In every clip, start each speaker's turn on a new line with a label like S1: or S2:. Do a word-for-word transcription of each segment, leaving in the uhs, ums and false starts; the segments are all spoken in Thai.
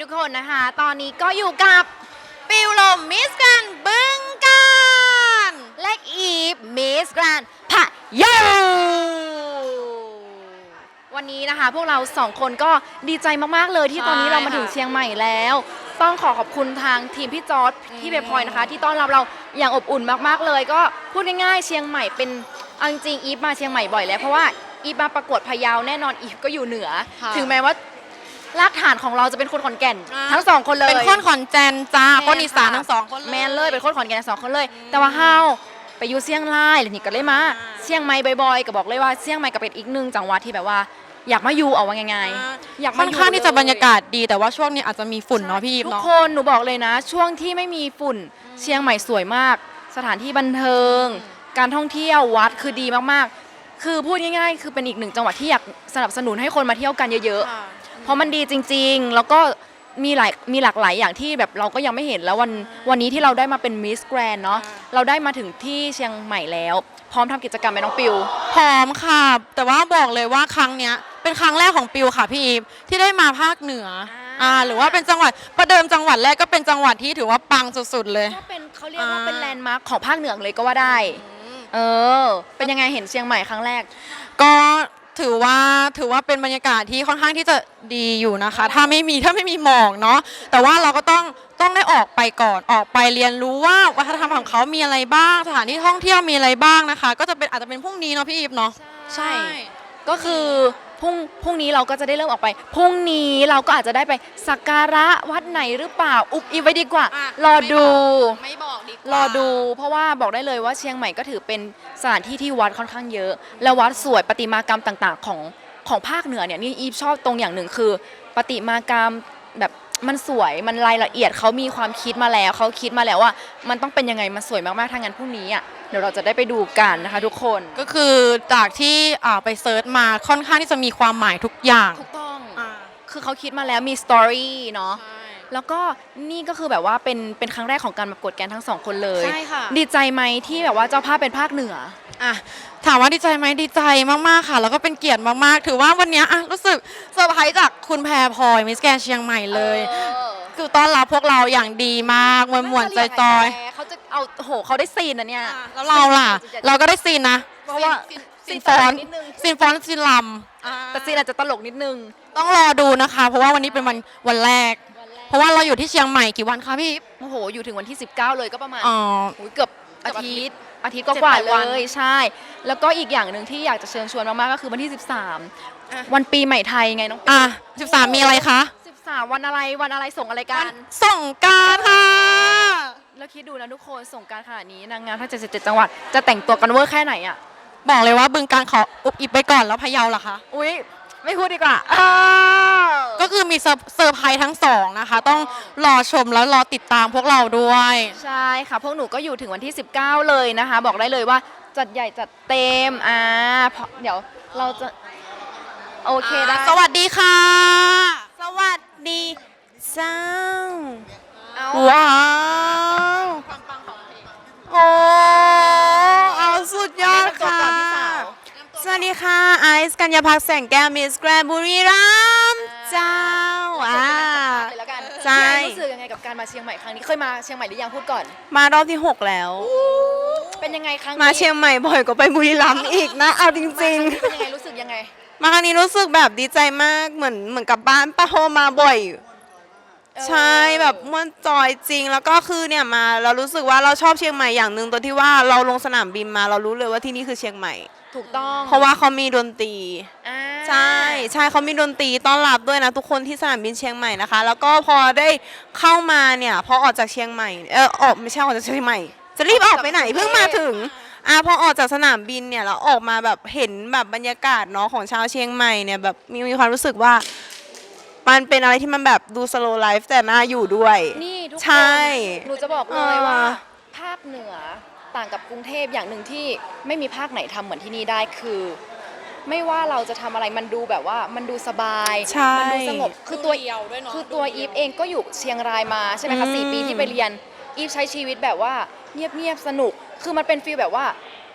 S1: กคนนะคะตอนนี้ก็อยู่กับปิวลมมิสแกรนด์บึงกาฬและอีฟมิสแกรนด์พะเยาวันนี้นะคะพวกเราสองคนก็ดีใจมากๆเลยที่ตอนนี้เรามาถึงเชียงใหม่แล้ว ต้องขอขอบคุณทางทีมพี่จอร์ดที่เบพอยนะคะที่ต้อนรับเราอย่างอบอุ่นมากๆเลยก็พูดง่ายๆเชียงใหม่เป็นเอาจริงอีฟมาเชียงใหม่บ่อยแล้วเพราะว่าอีฟมาประกวดพะเยาแน่นอนอีฟก็อยู่เหนือถึงแม้ว่ารากฐานของเราจะเป็นคนขอนแก่นทั้งสองคนเลย
S2: เป็นคนขอนแก่นจ้าคนอีสานทั้งสองคน
S1: แมนเลยเป็นคนขอนแก่นสองคนเลยแต่ว่าเฮาไปอยู่เชียงรายหรือนี่ก็เลยมาเชียงใหม่บ่อยๆก็บอกเลยว่าเชียงใหม่ก็เป็นอีกหนึ่งจังหวัดที่แบบว่าอยากมาอยู่เอาว่าง่ายๆอยากมาอยู่
S2: ค่อนข้างที่จะบรรยากาศดีแต่ว่าช่วงนี้อาจจะมีฝุ่นเนาะพี่ยิป
S1: ทุก
S2: เนาะ
S1: คนหนูบอกเลยนะ ช่วงที่ไม่มีฝุ่นเชียงใหม่สวยมากสถานที่บันเทิงการท่องเที่ยววัดคือดีมากๆคือพูดง่ายๆคือเป็นอีกหนึ่งจังหวัดที่อยากสนับสนุนให้คนมาเที่ยวกันเยอะๆเพราะมันดีจริงๆแล้วก็มีหลายมีหลากหลายอย่างที่แบบเราก็ยังไม่เห็นแล้ววันวันนี้ที่เราได้มาเป็นมิสแกรนด์เนาะเราได้มาถึงที่เชียงใหม่แล้วพร้อมทำกิจกรรมไหมน้องปิว
S2: พร้อมค่ะแต่ว่าบอกเลยว่าครั้งเนี้ยเป็นครั้งแรกของปิวค่ะพี่อีฟที่ได้มาภาคเหนืออ่าหรือว่าเป็นจังหวัดประเดิมจังหวัดแรกก็เป็นจังหวัดที่ถือว่าปังสุดๆเลย
S1: ก็เป็นเขาเรียกว่าเป็นแลนด์มาร์คของภาคเหนือเลยก็ว่าได้เออเป็นยังไงเห็นเชียงใหม่ครั้งแรก
S2: ก็ถือว่าถือว่าเป็นบรรยากาศที่ค่อนข้างที่จะดีอยู่นะคะถ้าไม่มีถ้าไม่มีหมอกเนาะแต่ว่าเราก็ต้องต้องได้ออกไปก่อนออกไปเรียนรู้ว่าวัฒนธรรมของเขามีอะไรบ้างสถานที่ท่องเที่ยวมีอะไรบ้างนะคะก็จะเป็นอาจจะเป็นพรุ่งนี้เนาะพี่อีฟเนาะ
S1: ใช่ก็คือพรุ่งพรุ่งนี้เราก็จะได้เริ่มออกไปพรุ่งนี้เราก็อาจจะได้ไปสักการะวัดไหนหรือเปล่าอุบอิบไว้ดีกว่ารอดู
S2: ไม่บอกดีกว่าร
S1: อดูเพราะว่าบอกได้เลยว่าเชียงใหม่ก็ถือเป็นสถานที่ที่วัดค่อนข้างเยอะแล้ววัดสวยประติมากรรมต่างๆของของภาคเหนือเนี่ยนี่อีฟชอบตรงอย่างหนึ่งคือประติมากรรมแบบมันสวยมันรายละเอียดเขามีความคิดมาแล้วเขาคิดมาแล้วว่ามันต้องเป็นยังไงมันสวยมากๆถ้างั้นพรุ่งนี้อ่ะเดี๋ยวเราจะได้ไปดูกันนะคะทุกคน
S2: ก็คือจากที่ไปเซิร์ชมาค่อนข้างที่จะมีความหมายทุกอย่าง
S1: ถูกต้องคือเขาคิดมาแล้วมีสตอรี่เนาะแล้วก็นี่ก็คือแบบว่าเป็นเป็นครั้งแรกของการประกวดแกนทั้งสองคนเลย
S2: ใช่ค่ะ
S1: ดีใจไหมที่แบบว่าเจ้าภาพเป็นภาคเหนือ
S2: อ่ะถามว่าดีใจไหมดีใจมากๆค่ะแล้วก็เป็นเกียรติมากๆถือว่าวันนี้อ่ะรู้สึกเซอร์ไพรส์จากคุณแพรพลอยมิสแกรนด์เชียงใหม่เลยคือต้อนรับพวกเราอย่างดีมากมวลมวลใจจอย
S1: เขาจะเอาโหเขาได้ซีนนะเนี่ย
S2: แล้วเราล่ะเราก็ได้ซีนนะเพราะว่าซีนฟอนซีนฟอนซีนลำ
S1: แต่ซีนอาจจะตลกนิดนึง
S2: ต้องรอดูนะคะเพราะว่าวันนี้เป็นวันวันแรกเพราะว่าเราอยู่ที่เชียงใหม่กี่วันคะพี่
S1: โอ้โหอยู่ถึงวันที่สิบเก้าเลยก็ประมาณ
S2: อ๋อ
S1: เกือบอาทิตย์อาทิตย์ก็กว่าเลยใช่แล้วก็อีกอย่างหนึ่งที่อยากจะเชิญชวนมากๆก็คือวันที่สิบสามวันปีใหม่ไทยไงน้อง
S2: อ่ะสิบสามมีอะไรคะ
S1: สิบสามวันอะไรวันอะไรส่งอะไรกัน
S2: ส่งการค่ะ
S1: แล้วคิดดูนะทุกคนส่งการขนาดนี้นางงามทั้งเจ็ดสิบเจ็ดจังหวัดจะแต่งตัวกันเวอร์แค่ไหนอ่ะ
S2: บอกเลยว่าบึงการขออุบอิบไปก่อนแล้วพะเยาล่ะคะ
S1: อุ๊ยไม่พูดดีกว่า
S2: ก็คือมีเซอร์ไพรส์ทั้งสองนะคะต้องรอชมแล้วรอติดตามพวกเราด้วย
S1: ใช่ค่ะพวกหนูก็อยู่ถึงวันที่สิบเก้าเลยนะคะบอกได้เลยว่าจัดใหญ่จัดเต็มอ่าเดี๋ยวเราจะโอเคได้
S2: สวัสดีค่ะ
S1: สวัสดีเจ้า
S2: ว้าวโอ้เอาสุดยอดค่ะ
S3: สวัสดีค่ะไอซ์กัญญาภักดิ์แสงแก้วมิสแกรนด์บุรีรัมย์เจ้าอ่า
S1: ใช่รู้สึกยังไงกับการมาเชียงใหม่ครั้งนี้เคยมาเชียงใหม่หรือยังพูดก่อน
S3: มารอบที่หกแล้ว
S1: เป็นยังไงครั้งนี้
S3: มาเชียงใหม่บ่อยกว่าไปบุรีรัมย์อีกนะเอาจริง
S1: ๆเป็นยังไงรู้สึกยังไง
S3: มาครั้งนี้รู้สึกแบบดีใจมากเหมือนเหมือนกับบ้านป้าโฮมาบ่อยใช่แบบม่วนจอยจริงแล้วก็คือเนี่ยมาเรารู้สึกว่าเราชอบเชียงใหม่อย่างหนึ่งตัวที่ว่าเราลงสนามบินมาเรารู้เลยว่าที่นี่คือเชียงใหม่
S1: ถูกต้อง
S3: เพราะว่าเขามีดนตรีใช่ใช่เขามีดนตรีต้อนรับด้วยนะทุกคนที่สนามบินเชียงใหม่นะคะแล้วก็พอได้เข้ามาเนี่ยพอออกจากเชียงใหม่เออออกไม่ใช่ออกจากเชียงใหม่จะรีบออกไปไหนเพิ่งมาถึงอ่ะพอออกจากสนามบินเนี่ยเราออกมาแบบเห็นแบบบรรยากาศเนาะของชาวเชียงใหม่เนี่ยแบบมีมีความรู้สึกว่ามันเป็นอะไรที่มันแบบดูสโลว์ไลฟ์แต่น่าอยู่ด้วย
S1: นี่ทุกคน
S3: ใช่
S1: หนูจะบอกเลยว่าภาคเหนือต่างกับกรุงเทพอย่างหนึ่งที่ไม่มีภาคไหนทำเหมือนที่นี่ได้คือไม่ว่าเราจะทำอะไรมันดูแบบว่ามันดูสบายมันดูสงบคือตัวคือตัวอีฟเองก็อยู่เชียงรายมาใช่ไหมคะสี่ปีที่ไปเรียนอีฟใช้ชีวิตแบบว่าเงียบๆสนุกคือมันเป็นฟีลแบบว่า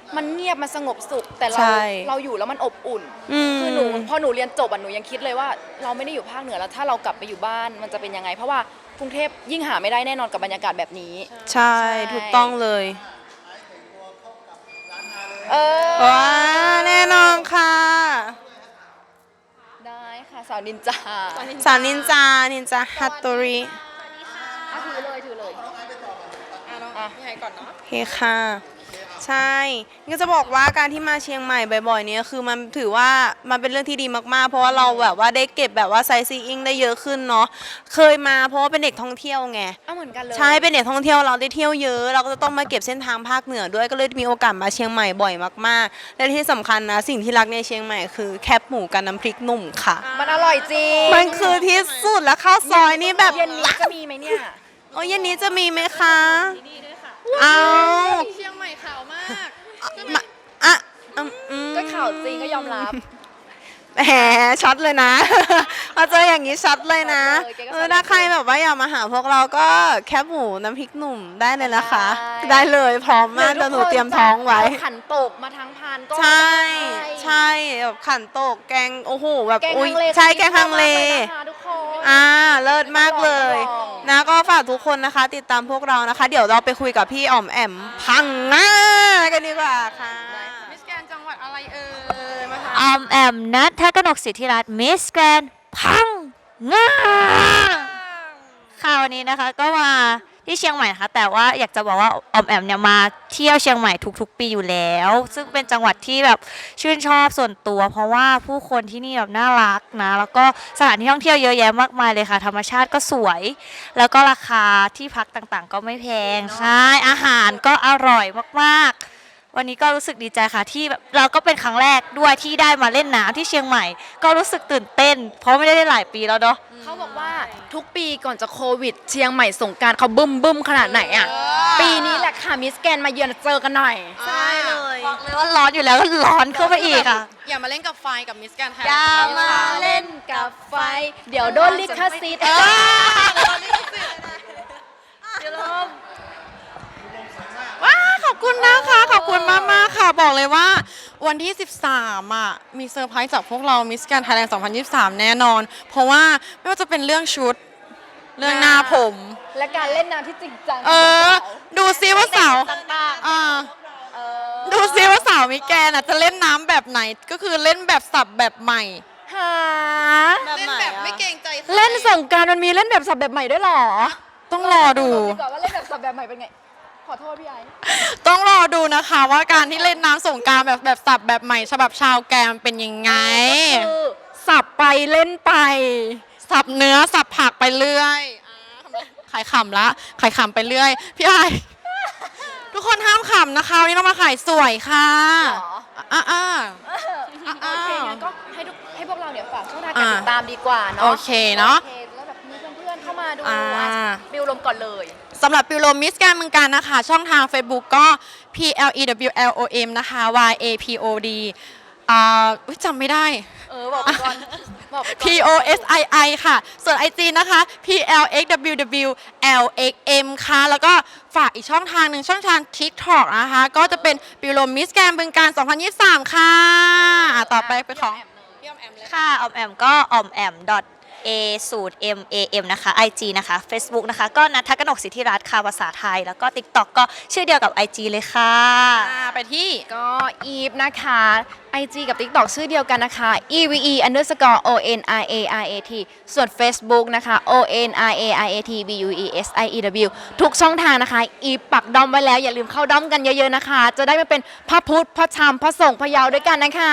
S1: มันเงียบมันสงบสุขแต่เรา
S3: ใช่
S1: เราอยู่แล้วมันอบอุ่น
S3: อืม
S1: คือหนูพอหนูเรียนจบอ่ะหนูยังคิดเลยว่าเราไม่ได้อยู่ภาคเหนือแล้วถ้าเรากลับไปอยู่บ้านมันจะเป็นยังไง เพราะว่ากรุงเทพยิ่งหาไม่ได้แน่นอนกับบรรยากาศแบบนี้
S3: ใช่
S1: ใช่
S3: ถูกต้องเลย
S1: เออ
S3: ว้าแน่นอนค่ะ
S1: ได้ค่ะสาวนินจา
S3: สาวนินจา นินจาฮัตโตริ
S1: อ่ะถือเลยถือเลย
S2: อ่ะพี่ไฮก่อนเนาะ
S3: โอเคค่ะ ใช่นี่ก็จะบอกว่าการที่มาเชียงใหม่บ่อยๆเนี่ยคือมันถือว่ามันเป็นเรื่องที่ดีมากๆ เพราะว่าเราแบบว่าได้เก็บแบบว่าไซซีอิงได้เยอะขึ้นเนาะ เคยมาเพราะว่าเป็นเด็กท่องเที่ยวไง
S1: เอาเหมือนกันเลย
S3: ใช่ เป็นเด็กท่องเที่ยวเราได้เที่ยวเยอะ เราก็จะต้องมาเก็บเส้นทางภาคเหนือด้วย ก็เลยมีโอกาสมาเชียงใหม่บ่อยมากๆ และที่สำคัญนะสิ่งที่รักในเชียงใหม่คือแคบหมูกับน้ำพริกหนุ่มค่ะ
S1: มันอร่อยจริง
S3: มันคือที่สุดแล้วข้าวซอยนี่แบบ
S1: เย็นนี้จะมีไหมเนี่ย
S3: โอ้ยเย็นนี้จะมีไหมคะเอา
S2: เชียงใหม่ขาวมาก
S3: มาอ่ะอืมอืม
S1: ก็ข่าวจริงก็ยอมรับ
S3: แหมช็อตเลยนะ มาเจออย่างนี้ช็อตเลยนะ
S1: ช็อตเลยแกก็
S3: เออถ้าใครแบบว่าอยากมาหาพวกเราก็แคบหมูน้ำพริกหนุ่มได้เลยนะคะ
S1: ได้
S3: ได้เลยพร้อมมากเดี๋ยวหนูเตรียมท้องไว้
S1: ขันโตกมาทั้งพานก็
S3: ใช่
S1: ได้
S3: ใช่แบบขันโตกแกงโอ้โหแบบ
S1: แกง
S3: อุ๊ย
S1: ฮังเล
S3: ใช่แกงฮังเล
S1: มากนะคะทุกคน
S3: อ่าเลิศมากเลย
S1: รับรอง
S3: นะก็ฝากทุกคนนะคะ ติดตามพวกเรานะคะ เดี๋ยวเราไปคุยกับพี่อ๋อมแอมพังงากันดีกว่าค่ะ
S2: มิสแกรนด์จังหวัดอะไรเอ่ยมาค่ะ
S4: ออมแอมนัทกนกสิทธิรัตน์มิสแกรนด์พังงาค่ะวันนี้นะคะก็มาที่เชียงใหม่นะคะแต่ว่าอยากจะบอกว่าออมแอมเนี่ยมาเที่ยวเชียงใหม่ทุกๆ ปีอยู่แล้ว ซึ่งเป็นจังหวัดที่แบบชื่นชอบส่วนตัว เพราะว่าผู้คนที่นี่แบบน่ารักนะแล้วก็สถานที่ท่องเที่ยวเยอะแยะมากมายเลยค่ะธรรมชาติก็สวย แล้วก็ราคาที่พักต่างๆ ก็ไม่แพงใช่อาหารก็อร่อยมากๆ วันนี้ก็รู้สึกดีใจค่ะที่แบบเราก็เป็นครั้งแรกด้วยที่ได้มาเล่นน้ำที่เชียงใหม่ ก็รู้สึกตื่นเต้น เพราะไม่ได้เล่นหลายปีแล้วเนาะ
S1: เขาบอกว่าทุกปีก่อนจะโควิด เชียงใหม่สงกรารเขาบึ้มบึ้มขนาดไหนอ่ะ ปีนี้แหละค่ะมิสแกนมาเยือนเจอกันหน่อย
S3: ใช่เลย
S4: บอกเลยว่าร้อนอยู่แล้วก็ร้อนเข้าไปอีกค่ะ
S2: อย่ามาเล่นกับไฟกับมิสแกรนด์ไทย
S1: อย่ามาเล่นกับไฟ เดี๋ยวโดนลิขสิทธิ์
S2: ว้าขอบคุณนะคะขอบคุณมากมากๆค่ะ บอกเลยว่าวันที่ สิบสามอ่ะมีเซอร์ไพรส์จากพวกเรามิสแกรนด์ไทยแลนด์สองพันยี่สิบสามแน่นอน เพราะว่าไม่ว่าจะเป็นเรื่องชุด เรื่องหน้าผม
S1: และการเล่นน้ำที่จริงจัง
S2: เออ ดูซิว่าสาว
S1: ต่าง
S2: อ่า
S1: ๆเออ
S2: ดูซิว่าสาวมิแกนอ่ะจะเล่นน้ำแบบไหนก็คือเล่นแบบสับแบบใหม่
S1: หา
S3: แบบไหนอะ
S1: เล่นสงกรารมันมีเล่นแบบสับแบบใหม่ด้วยเหรอ
S2: ต้องรอดู
S1: ดีกว่าว่าเล่นแบบสับแบบใหม่เป็นไง ขอโทษพี่ไอ้
S2: ต้องรอดูนะคะว่าการที่เล่นน้ำสงกรารแบบแบบสับแบบใหม่ฉบับชาวแกมเป็นยังไง
S1: คือสับไปเล่นไป
S2: สับเนื้อสับผักไปเรื่อยอ่าขายขำละขายขำไปเรื่อย พี่ไอทุกคนห้ามขำนะคะวันนี้เรามาขายสวยค่ะ
S1: หรอ
S2: อ่าอ่า
S1: โอเคงั้นก็ให้ทุกให้พวกเราเนี่ยฝากช่องทางการติดตามดีกว่าเนาะ
S2: โอเคเนาะ
S1: โอเคแล้วแบบมีเพื่อนๆเข้ามาดู
S2: อ่า
S1: อ่ะบิวลมก่อนเลย
S2: สำหรับปิวโรมิสการเมืองการนะคะ ช่องทาง Facebook ก็ P L E W L O M นะคะ Y A P O D อ่าอุ๊ยจำไม่ได้
S1: เออบอกไปก่อนบอกไปก่อน
S2: P O S I I ค่ะ ส่วน ไอ จี นะคะ P L X W W L X M ค่ะ แล้วก็ฝากอีกช่องทางหนึ่งช่องทาง TikTok นะคะ ก็จะเป็นปิวโรมิสแกรนบึงการ สองพันยี่สิบสาม ค่ะอ่ะ ต่อไปเป็นของพี่ออมแอมเลย
S4: ค่ะออมแอมก็ออมแอม a สูตร m a m นะคะ ไอ จี นะคะ Facebook นะคะ ก็นัทกนกสิทธิรัตน์ค่ะภาษาไทย แล้วก็ TikTok ก็ชื่อเดียวกับ ไอ จี เลยค่ะ
S2: อ่าไปที่
S1: ก็อีฟนะคะ ไอ จี กับ TikTok ชื่อเดียวกันนะคะ E V E underscore O N R A R A T ส่วน Facebook นะคะ O N R A R A T B U E S I E W ทุกช่องทางนะคะ อีฟปักดอมไว้แล้วอย่าลืมเข้าดอมกันเยอะๆนะคะ จะได้มาเป็นพระพุทธพระธรรมพระสงฆ์พระเยาวด้วยกันนะคะ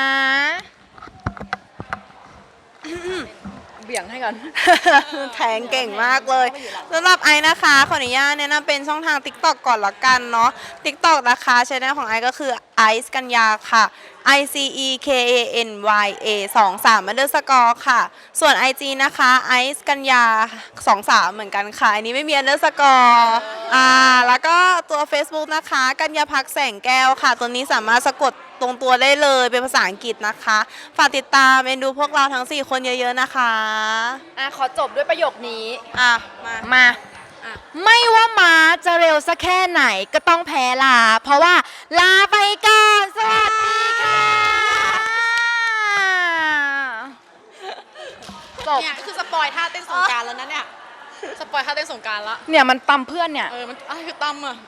S1: เบี่ยงให้ก่อน
S3: แทงเก่งมากเลยสำหรับไอนะคะขออนุญาตแนะนำเป็นช่องทาง TikTok ก่อนละกันเนาะ TikTok นะคะช่องของไอก็คือไอซ์กัญญาค่ะ I C E K A N Y A สองสาม underscore ค่ะ ส่วน ไอ จี นะคะไอซ์กัญญาสองสามเหมือนกันค่ะ อันนี้ไม่มี underscore อ่าแล้วก็ตัว Facebook นะคะกัญญาพักแสงแก้วค่ะ ตัวนี้สามารถสะกดตรงตัวได้เลยเป็นภาษาอังกฤษนะคะ ฝากติดตามเอ็นดูพวกเราทั้งสี่คนเยอะๆนะคะ
S1: อ่ะขอจบด้วยประโยคนี้
S3: อ่ะมา
S1: มาไม่ว่าม้าจะเร็วสักแค่ไหนก็ต้องแพ้ลา เพราะว่าลาไปก่อน สวัสดีค่ะจบ
S2: เนี่ยคือสปอยท่าเต้นสงกรารแล้วนะเนี่ย สปอยท่าเต้นสงกรารละ
S1: เนี่ยมันตำเพื่อนเนี่ย
S2: เออ มันอะไรคือตั้มอ่ะ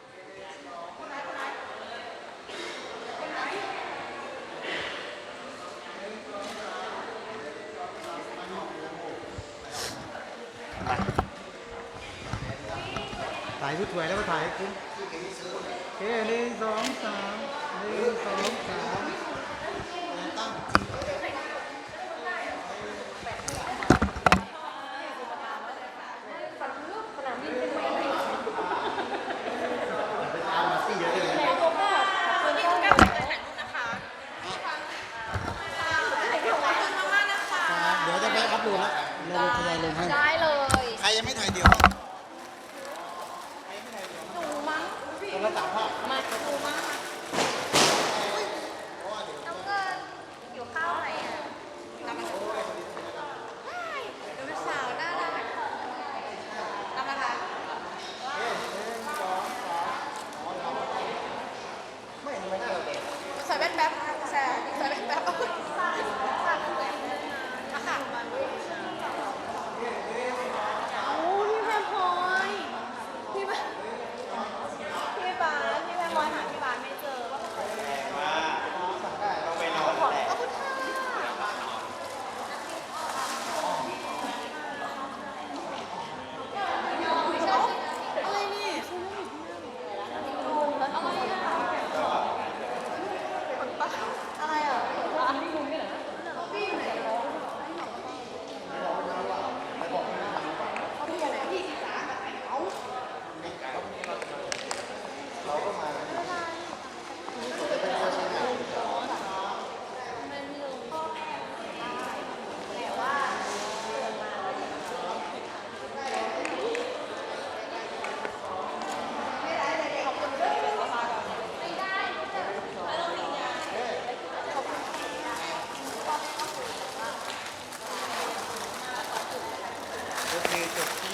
S5: ถ่ายชุดสวยแล้วก็ถ่ายให้คุ้มโอเคหนึ่งสองสามหนึ่งสองสามเดี๋ยวจะไปอัพโหลดแล้วลงทยอยลงให้
S1: ได้เลย
S5: ใครยังไม่ถ่ายเดี๋ยวคนละสามภาพ
S2: ใส่แว่นแป๊บใส่ใส่แว่นแป๊บ
S5: โอเคจบ